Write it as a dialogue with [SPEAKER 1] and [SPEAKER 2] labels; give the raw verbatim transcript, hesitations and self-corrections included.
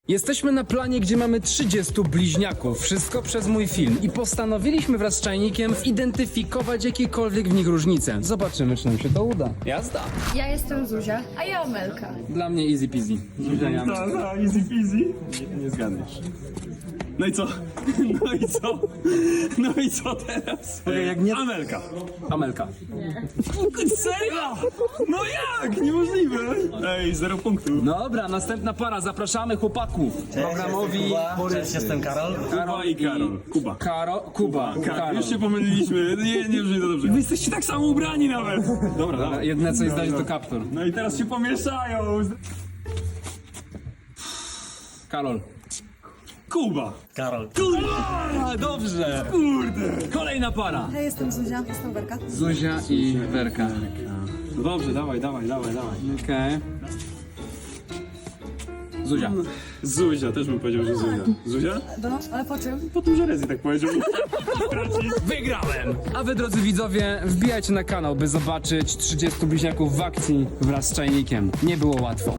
[SPEAKER 1] Jesteśmy na planie, gdzie mamy trzydziestu bliźniaków. Wszystko przez mój film. I postanowiliśmy wraz z Czajnikiem zidentyfikować jakiekolwiek w nich różnice. Zobaczymy, czy nam się to uda. Jazda!
[SPEAKER 2] Ja jestem Zuzia, a ja Amelka.
[SPEAKER 1] Dla mnie easy peasy. Zuzia, ja.
[SPEAKER 3] Ta, ta, easy peasy. Nie, nie zgadniesz. No i co? No i co? No i co teraz?
[SPEAKER 1] Okej, jak nie-
[SPEAKER 3] Amelka.
[SPEAKER 1] Amelka.
[SPEAKER 3] Serio? No jak? Niemożliwe. Ej, zero punktów.
[SPEAKER 1] Dobra, następna para. Zapraszamy chłopaków. Programowi
[SPEAKER 4] Cześć, jestem Karol.
[SPEAKER 3] Kuba i Karol. Kuba.
[SPEAKER 1] Karo... Kuba.
[SPEAKER 3] Karol.
[SPEAKER 1] Karol.
[SPEAKER 3] Już się pomyliliśmy. Nie, nie brzmi to dobrze. Wy jesteście tak samo ubrani nawet. Dobra, dobra.
[SPEAKER 1] Jedne co jest dać to kaptur.
[SPEAKER 3] No i teraz się pomieszają.
[SPEAKER 1] Karol.
[SPEAKER 3] Kuba.
[SPEAKER 4] Karol.
[SPEAKER 1] A, dobrze.
[SPEAKER 3] Kurde.
[SPEAKER 1] Kolejna para.
[SPEAKER 5] Ja jestem Zuzia, jestem Werka.
[SPEAKER 1] Zuzia i Werka.
[SPEAKER 3] No dobrze, dawaj, dawaj, dawaj, dawaj.
[SPEAKER 1] Okej. Zuzia.
[SPEAKER 3] Zuzia, też bym powiedział, że Zuzia. Zuzia?
[SPEAKER 5] No, ale po czym?
[SPEAKER 3] Po tym, że Rezi tak powiedział.
[SPEAKER 1] Wygrałem! A wy, drodzy widzowie, wbijajcie na kanał, by zobaczyć trzydziestu bliźniaków w akcji wraz z Czajnikiem. Nie było łatwo.